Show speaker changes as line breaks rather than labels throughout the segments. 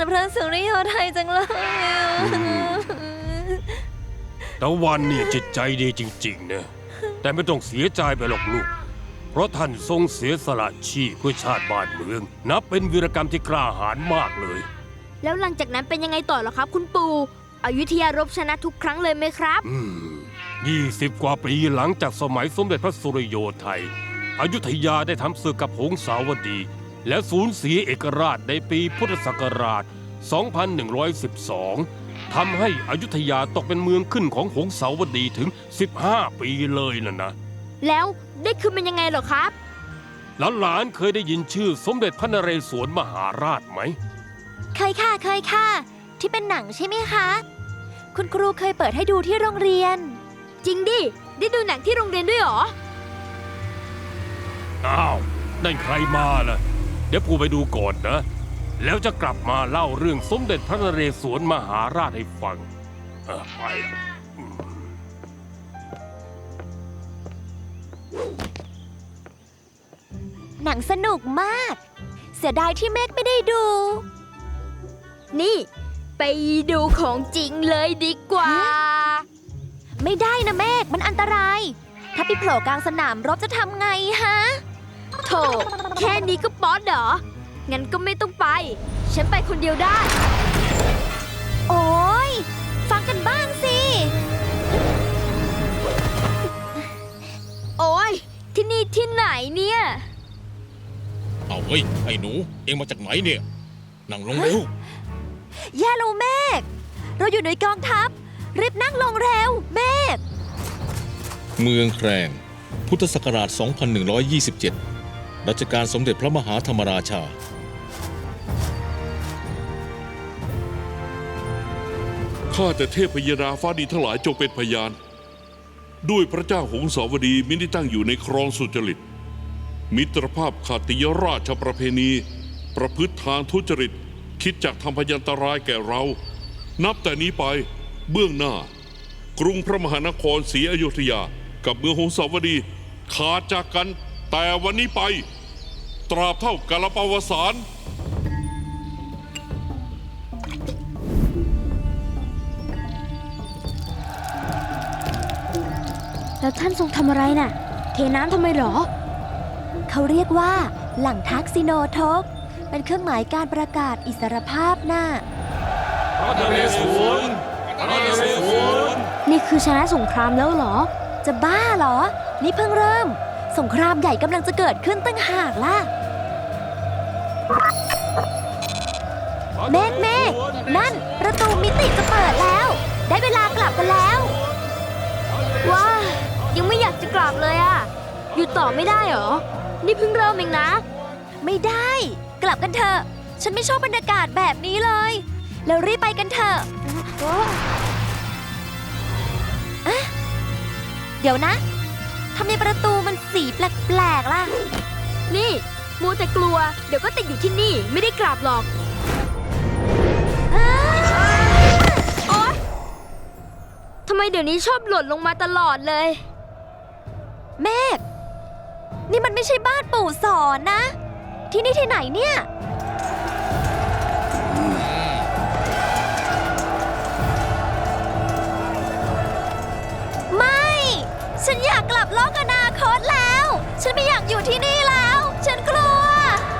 ารพระสุริโยไทยจังเลย
ตะวันเนี่ยจิตใจดีจริงๆนะแต่ไม่ต้องเสียใจไปหรอกลูกเพราะท่านทรงเสียสละชีพเพื่อชาติบ้านเมืองนับเป็นวีรกรรมที่กล้าหาญมากเลย
แล้วหลังจากนั้นเป็นยังไงต่อเหรอครับคุณปู่อยุธยารบชนะทุกครั้งเลยไหมครับ
20 กว่าปีหลังจากสมัยสมเด็จพระสุริโยไทยอยุธยาได้ทำศึกกับหงสาวดีและสูญเสียเอกราชในปีพุทธศักราช 2112 ทำให้อยุธยาตกเป็นเมืองขึ้นของหงสาวดีถึง 15 ปีเลยนะ
แล้วได้คืนเป็นยังไงเหรอครับ
หลานเคยได้ยินชื่อสมเด็จพระนเรศวรมหาราชไหม
เคยค่ะที่เป็นหนังใช่ไหมคะคุณครูเคยเปิดให้ดูที่โรงเรียนจริงดิได้ดูหนังที่โรงเรียนด้วยเหรอ
อ้าวนั่นใครมาล่ะเดี๋ยวปู่ไปดูก่อนนะแล้วจะกลับมาเล่าเรื่องสมเด็จพระนเรศวรมหาราชให้ฟังไป
หนังสนุกมากเสียดายที่เมฆไม่ได้ดูนี่ไปดูของจริงเลยดีกว่าไม่ได้นะเมฆมันอันตรายถ้าไปโผล่กลางสนามรบจะทำไงฮะโธ่แค่นี้ก็ป๊อดเหรองั้นก็ไม่ต้องไปฉันไปคนเดียวได้โอ๊ยฟังกันบ้างสิโอ๊ยที่นี่ที่ไหนเนี่ย
เอาเฮ้ยไอ้หนูเอ็งมาจากไหนเนี่ยนั่งลงเร็ว
แย่แล้วเมฆเราอยู่ในกองทัพรีบนั่งลงเร็วเมฆ
เมืองแครงพุทธศักราช 2127 รัชกาลสมเด็จพระมหาธรรมราชา
ข้าแต่เทพยดาฟ้าดินทั้งหลายจงเป็นพยานด้วยพระเจ้าหงสาวดีมิได้ตั้งอยู่ในครองสุจริตมิตรภาพขาติยราชประเพณีประพฤติทางทุจริตคิดจากทำพยันตรายแก่เรานับแต่นี้ไปเบื้องหน้ากรุงพระมหานครศรีอยุธยากับเมืองหงสาวดีขาดจากกันแต่วันนี้ไปตราบเท่ากาลปวสาน
แล้วท่านทรงทำอะไรน่ะเทน้ำทำไมหรอเขาเรียกว่าหลังทักซิโนทกเป็นเครื่องหมายการประกาศอิสรภาพน่ะ
พระนเรศวร
นี่คือชนะสงครามแล้วเหรอจะบ้าเหรอนี่เพิ่งเริ่มสงครามใหญ่กำลังจะเกิดขึ้นตั้งหากล่ะเมฆนั่นประตูมิติจะเปิดแล้วได้เวลากลับกันแล้วว้ายังไม่อยากจะกลับเลยอ่ะอยู่ต่อไม่ได้เหรอนี่เพิ่งเริ่มเองนะไม่ได้กลับกันเถอะฉันไม่ชอบบรรยากาศแบบนี้เลยแล้วรีบไปกันเถอะเดี๋ยวนะทำไมประตูมันสีแปลกๆล่ะนี่มัวแต่กลัวเดี๋ยวก็ติดอยู่ที่นี่ไม่ได้กลับหรอกโอ๊ยทำไมเดี๋ยวนี้ชอบหล่นลงมาตลอดเลยเมฆนี่มันไม่ใช่บ้านปู่สอนนะที่นี่ที่ไหนเนี่ยไม่ฉันอยากกลับโลกอนาคตแล้วฉันไม่อยากอยู่ที่นี่แล้วฉันกลัว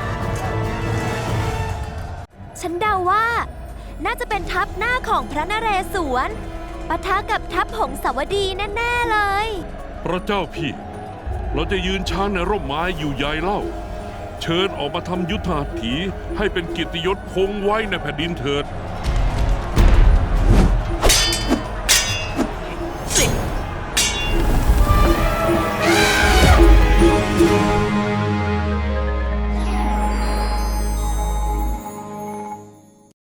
ฉันเดาว่าน่าจะเป็นทัพหน้าของพระนเรศวรปะทะกับทัพหงสาวดีแน่ๆเลย
พระเจ้าพี่เราจะยืนช้างในร่มไม้อยู่ใหญ่เล่าเชิญออกมาทำยุทธหัตถีให้เป็นเกียรติยศคงไว้ในแผ่นดินเถิด